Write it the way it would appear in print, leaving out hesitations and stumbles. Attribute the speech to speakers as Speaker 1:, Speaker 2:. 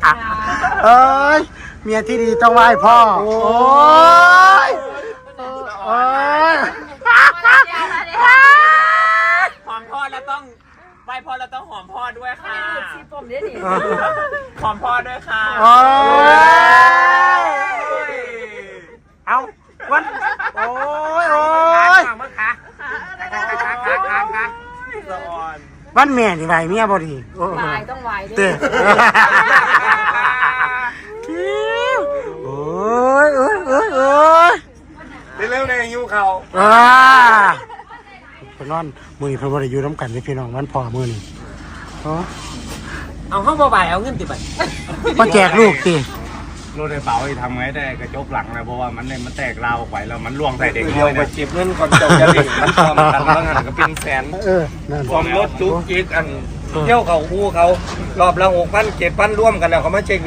Speaker 1: เอ้ยเมียที่ดีต้องไหว้พ่อโอ้ยโอ้ย
Speaker 2: หอมพ่อแล้วต้องไหว้พ่อแล้วต้องหอมพ่อด้วยค่ะหอมพ่อด้วยค่ะ
Speaker 1: โอ้ยเอาวันโอ้ยโอ้ย
Speaker 2: มั้งคะสะอ่อน
Speaker 1: วันแม่นี่ไหวเมียบ่ดีโอ้
Speaker 3: วายต้องวายด้ว
Speaker 1: เต้
Speaker 3: ย
Speaker 1: โอ้ยโอ้ยโอ้ยโอ้ย
Speaker 2: เร็วๆในหิวเขา
Speaker 1: ไปนอนมือนี้เพิ่นบ่ได้อยู่น้ำกันนี่พี่น้องวันพ่อมื้อนี้อ๋อ
Speaker 2: เอาห้องบ่ายเอาเงินติบัตร
Speaker 1: มาแจกลูกติ
Speaker 4: รถไฟเป๋าทำไงได้กระจกหลังนะเพราะว่ามันแตกราวออกไปแล้วมันล่วงใส่เด็ก
Speaker 2: เดียวไปเก็บเงินก่อนจบจะดิ่งมันทำกันแล้วหันก็เป็นแสน
Speaker 1: นั่น
Speaker 2: ความรถจุกจิกอันเที่ยวเขาคู่เขารอบละ6,000 7,000ร่วมกันแล้วเขามาเช็ค